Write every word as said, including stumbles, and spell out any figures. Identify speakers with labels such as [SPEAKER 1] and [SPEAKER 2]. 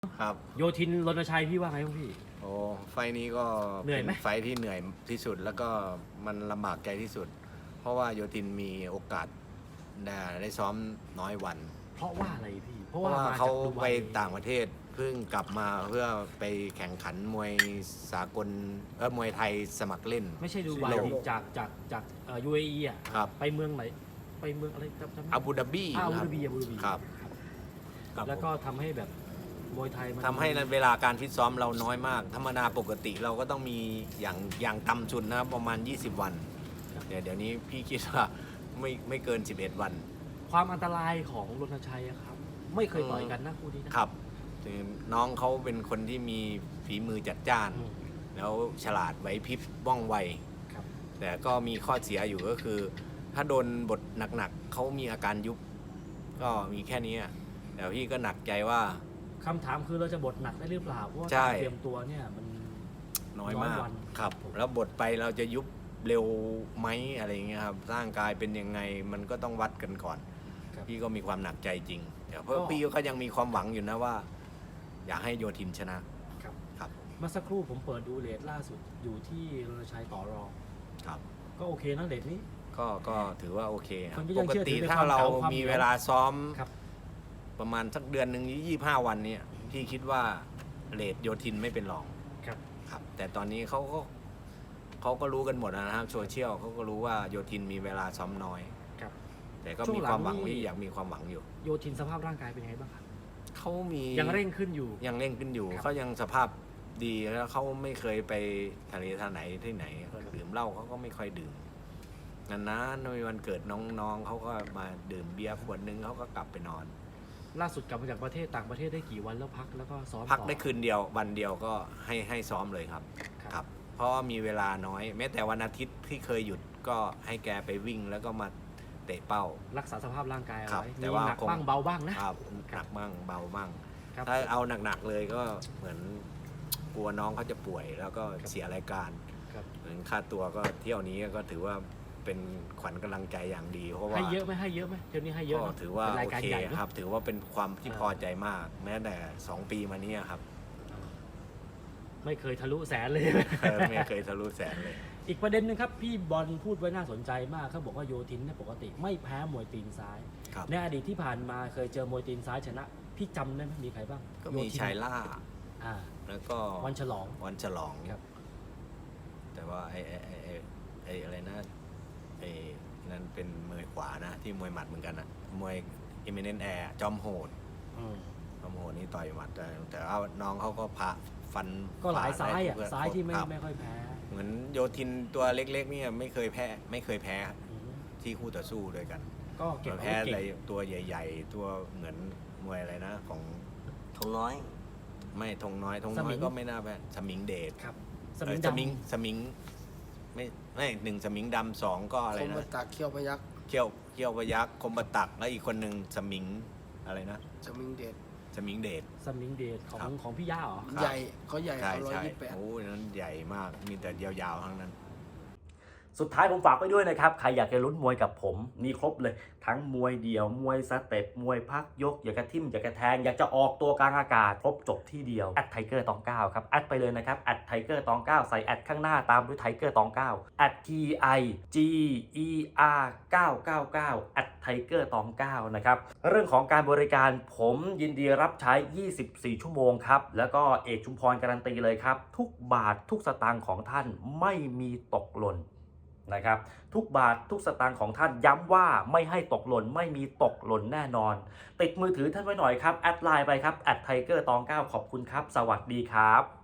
[SPEAKER 1] ครับ
[SPEAKER 2] โยธินรณชัยพี่ว่าไงบ้างพี่
[SPEAKER 1] โอ้ไฟนี้ก็
[SPEAKER 2] เหนื่อยไหม
[SPEAKER 1] ป็ไฟที่เหนื่อยที่สุดแล้วก็มันลำบากใจที่สุด เพราะว่าโยธินมีโอกาสได้ได้ซ้อมน้อยวัน
[SPEAKER 2] เพราะว่าอะไรพี่เพ
[SPEAKER 1] เพ
[SPEAKER 2] ราะ
[SPEAKER 1] ราะ
[SPEAKER 2] ว่า
[SPEAKER 1] ว่า
[SPEAKER 2] มา
[SPEAKER 1] เขา
[SPEAKER 2] จากดู
[SPEAKER 1] ไป
[SPEAKER 2] ไบ
[SPEAKER 1] ต่างประเทศเพิ่งกลับมาเพื่อไปแข่งขันมวยสากลเออมวยไทยสมัครเล่น
[SPEAKER 2] ไม่ใช่ดูไบ
[SPEAKER 1] โลก
[SPEAKER 2] จากจากจากเอ่อ ยู เอ อี อ่ะ
[SPEAKER 1] ครับ
[SPEAKER 2] ไปเมืองไหนไปเมืองอะไรจำจำไม่ได้
[SPEAKER 1] อาบูดาบี
[SPEAKER 2] อ่าอาบู
[SPEAKER 1] ครั
[SPEAKER 2] ดาบีอาบูดาบี
[SPEAKER 1] ครับครับ
[SPEAKER 2] แล้วก็ทำให้แบบมวยไทยมัน
[SPEAKER 1] ทำให้เวลาการฟิตซ้อมเราน้อยมาก ธรรมดาปกติเราก็ต้องมีอย่างอย่างต่ำสุดนะประมาณ ยี่สิบ วันเดี๋ยวเดี๋ยวนี้พี่คิดว่าไม่ไม่เกิน สิบเอ็ด วัน
[SPEAKER 2] ความอันตรายของรณชัยอะครับ ไม่เคยต่อยกันนะคู่นี้นะครับ
[SPEAKER 1] คือน้องเขาเป็นคนที่มีฝีมือจัดจ้าน
[SPEAKER 2] อืม
[SPEAKER 1] แล้วฉลาดไหวพริบว่องไว
[SPEAKER 2] ครับ
[SPEAKER 1] แต่ก็มีข้อเสียอยู่ก็คือ ถ้าโดนบทหนักๆเขามีอาการยุบ ก็มีแค่นี้อะแต่พี่ก็หนักใจว่า
[SPEAKER 2] คำถามคือเราจะบทหนักได้หรือเปล่าเพราะว่า
[SPEAKER 1] ใช่
[SPEAKER 2] การเตรียมตัวเนี่ยมัน
[SPEAKER 1] น้อยมาก
[SPEAKER 2] น้อยวัน
[SPEAKER 1] ครับ แล้วบทไปเราจะยุบเร็วไหมอะไรเงี้ยครับร่างกายเป็นยังไงมันก็ต้องวัดกันก่อน
[SPEAKER 2] ครับ
[SPEAKER 1] พี่ก็มีความหนักใจจริงแต่เพราะ
[SPEAKER 2] ก็
[SPEAKER 1] พี่ก็ยังมีความหวังอยู่นะว่า อยากให้โยธินชนะครับ ครับ
[SPEAKER 2] เมื่อสักครู่ผมเปิดดูเรทล่าสุดอยู่ที่รณชัยต่อรอง
[SPEAKER 1] ครับ
[SPEAKER 2] ก็โอเคนะเรทนี้
[SPEAKER 1] ก็ก็ถือว่าโอเคครั
[SPEAKER 2] มั
[SPEAKER 1] บ
[SPEAKER 2] นก็
[SPEAKER 1] ป
[SPEAKER 2] ยัง
[SPEAKER 1] ก
[SPEAKER 2] เชื่อถื
[SPEAKER 1] ติ
[SPEAKER 2] อใน
[SPEAKER 1] ถ้า
[SPEAKER 2] ความ
[SPEAKER 1] เรา
[SPEAKER 2] เก่าความ
[SPEAKER 1] มี
[SPEAKER 2] เหนียว
[SPEAKER 1] เวลาซ้อม
[SPEAKER 2] ครับ
[SPEAKER 1] ประมาณสักเดือนหนึ่งยี่สิบห้าวันเนี่ยพี่คิดว่าเรทโยธินไม่เป็นรอง
[SPEAKER 2] ครับ
[SPEAKER 1] ครับ แต่ตอนนี้เขาก็เขาก็รู้กันหมดนะครับโซเชียลเขาก็รู้ว่าโยธินมีเวลาซ้อมน้อย
[SPEAKER 2] ครับ
[SPEAKER 1] แต่ก็
[SPEAKER 2] ช่ว
[SPEAKER 1] มี
[SPEAKER 2] งหลัง
[SPEAKER 1] ความหวัง
[SPEAKER 2] นี่
[SPEAKER 1] ที่อยากมีความหวังอยู่
[SPEAKER 2] โยธินสภาพร่างกายเป็นยังไงบ้างครับ
[SPEAKER 1] เขามี
[SPEAKER 2] ยังเร่งขึ้นอยู่
[SPEAKER 1] ยังเร่งขึ้นอยู่
[SPEAKER 2] ครับ
[SPEAKER 1] เขายังสภาพดีแล้วเขาไม่เคยไปทะเลทางไหนที่ไหนดื่มเหล้าเขาก็ไม่ค่อยดื่มนานๆในวันเกิดน้องๆเขาก็มาดื่มเบียร์ขวดนึงเขาก็กลับไปนอน
[SPEAKER 2] ล่าสุดกลับมาจากประเทศต่างประเทศได้กี่วันแล้วพักแล้วก็ซ้อม
[SPEAKER 1] พัก
[SPEAKER 2] ต่อ
[SPEAKER 1] ได้คืนเดียววันเดียวก็ให้ให้ซ้อมเลยครับ
[SPEAKER 2] ครับ
[SPEAKER 1] ครับ เพราะว่ามีเวลาน้อย แม้แต่วันอาทิตย์ที่เคยหยุดก็ให้แกไปวิ่งแล้วก็มาเตะเป้า
[SPEAKER 2] รักษาสภาพร่างกายเอา
[SPEAKER 1] ครับ
[SPEAKER 2] ไว้
[SPEAKER 1] แต่
[SPEAKER 2] มี
[SPEAKER 1] ว่า
[SPEAKER 2] หนัก
[SPEAKER 1] คง
[SPEAKER 2] บ้างเบาบ้างนะครับ
[SPEAKER 1] หนักบ้างเบาบ้าง
[SPEAKER 2] ครับ
[SPEAKER 1] ถ้าเอาหนักๆเลยก็เหมือนกลัวน้องเขาจะป่วยแล้วก็เสียรายการ
[SPEAKER 2] ครับ
[SPEAKER 1] เหมือนค่าตัวก็เที่ยวนี้ก็ถือว่าเป็นขวัญกำลังใจอย่างดี เพราะว่า
[SPEAKER 2] ให้เยอะไหมให้เยอะไหมเที่ยวนี้ให้เยอะ
[SPEAKER 1] ก็
[SPEAKER 2] เนอะ
[SPEAKER 1] ถือว่า
[SPEAKER 2] เป็น
[SPEAKER 1] โอ
[SPEAKER 2] รายการ
[SPEAKER 1] เค
[SPEAKER 2] ใหญ่เนอะ
[SPEAKER 1] ครับ ถือว่าเป็นความที่
[SPEAKER 2] อ่า
[SPEAKER 1] พอใจมาก แม้แต่สองปีมานี้ครับ
[SPEAKER 2] ไม่เคยทะลุแสนเลย
[SPEAKER 1] เออไม่เคยทะลุแสนเลย
[SPEAKER 2] อีกประเด็นหนึงครับพี่บอลพูดไว้น่าสนใจมากเขาบอกว่าโยธินเนี่ยปกติไม่แพ้มวยตีนซ้าย
[SPEAKER 1] ครับ
[SPEAKER 2] ในอดีตที่ผ่านมาเคยเจอมวยตีนซ้ายชนะ พี่จำได้ไหมมีใครบ้าง
[SPEAKER 1] ก็มี
[SPEAKER 2] โธิน
[SPEAKER 1] ชายล่า
[SPEAKER 2] อ่า
[SPEAKER 1] แล้วก็
[SPEAKER 2] วันฉลอง
[SPEAKER 1] วันฉลอง
[SPEAKER 2] ครับ
[SPEAKER 1] แต่ว่าไอ้ไอ้ไอ้ไอ้ไอ้อะไรนะไอ้นั่นเป็นมวยขวานะ ที่มวยหมัดเหมือนกันนะมวยอิมเมเนนแอร์จอมโหด
[SPEAKER 2] อืม
[SPEAKER 1] จอมโหดนี่ต่อยหมัดแต่แต่ว่าน้องเขาก็พาฟัน
[SPEAKER 2] ก็หลายซ้ายอ่ะ
[SPEAKER 1] ขวได้
[SPEAKER 2] ซ้ายที่ไม่
[SPEAKER 1] ครับ
[SPEAKER 2] ไม่ค่อยแพ้
[SPEAKER 1] เหมือนโยธินตัวเล็กๆเนี่ยไม่เคยแพ้ไม่เคยแพ้
[SPEAKER 2] อืม
[SPEAKER 1] ที่คู่ต่อสู้ด้วยกัน
[SPEAKER 2] ก็เก็บอา
[SPEAKER 1] แพ้
[SPEAKER 2] วุธ
[SPEAKER 1] อะไร
[SPEAKER 2] เก่ง
[SPEAKER 1] ตัวใหญ่ ๆ ตัวเหมือนมวยอะไรนะ ของ
[SPEAKER 3] ทงน้อย
[SPEAKER 1] ไม่ธงน้อยธงน้อยก็ไม่น่าแพ้สมิงเดช
[SPEAKER 2] ครับส
[SPEAKER 1] เอ
[SPEAKER 2] มิ
[SPEAKER 1] อง ส
[SPEAKER 2] ดำ
[SPEAKER 1] มิงสมิงไม่ไม่หนึ่งสมิงดำสองก็อะไร
[SPEAKER 3] คม
[SPEAKER 1] นะ
[SPEAKER 3] บัตากเขี้ยวพยัก
[SPEAKER 1] เขี้ยวเขี้ยวพยักคมบตักแล้วอีกคนหนึ่งสมิงอะไรนะ
[SPEAKER 3] สมิงเดช
[SPEAKER 1] สมิงเดช
[SPEAKER 2] สมิงเดชของ
[SPEAKER 1] ครับ
[SPEAKER 2] ของพี่ย่าเหรอ
[SPEAKER 1] ครับ
[SPEAKER 3] ใหญ่เขาใหญ่
[SPEAKER 1] ใช่
[SPEAKER 3] เขาร้อย
[SPEAKER 1] ใช่
[SPEAKER 3] ยี่สิบแปด
[SPEAKER 1] โอ้ยนั้นใหญ่มากมีแต่ยาวๆทั้งนั้น
[SPEAKER 4] สุดท้ายผมฝากไว้ด้วยนะครับ ใครอยากจะลุ้นมวยกับผม มีครบเลย ทั้งมวยเดี่ยว มวยสเต็ป มวยพักยก อยากจะทิ่ม อยากจะแทง อยากจะออกตัวกลางอากาศ ครบจบที่เดียว แอดไทเกอร์ตองเก้าครับ แอดไปเลยนะครับ แอดไทเกอร์ตองเก้าใส่แอดข้างหน้าตามด้วยไทเกอร์ตองเก้าแอด T I G E R เก้าเก้าเก้าแอดไทเกอร์ตองเก้านะครับ เรื่องของการบริการผมยินดีรับใช้ ยี่สิบสี่ ชั่วโมงครับ แล้วก็เอกชุมพรการันตีเลยครับ ทุกบาททุกสตางค์ของท่านไม่มีตกหล่น นะครับทุกบาททุกสตางค์ของท่านย้ำว่าไม่ให้ตกหล่นไม่มีตกหล่นแน่นอน ติดมือถือท่านไว้หน่อยครับแอดไลน์ไปครับแอดไทเกอร์ตองเก้าขอบคุณครับสวัสดีครับ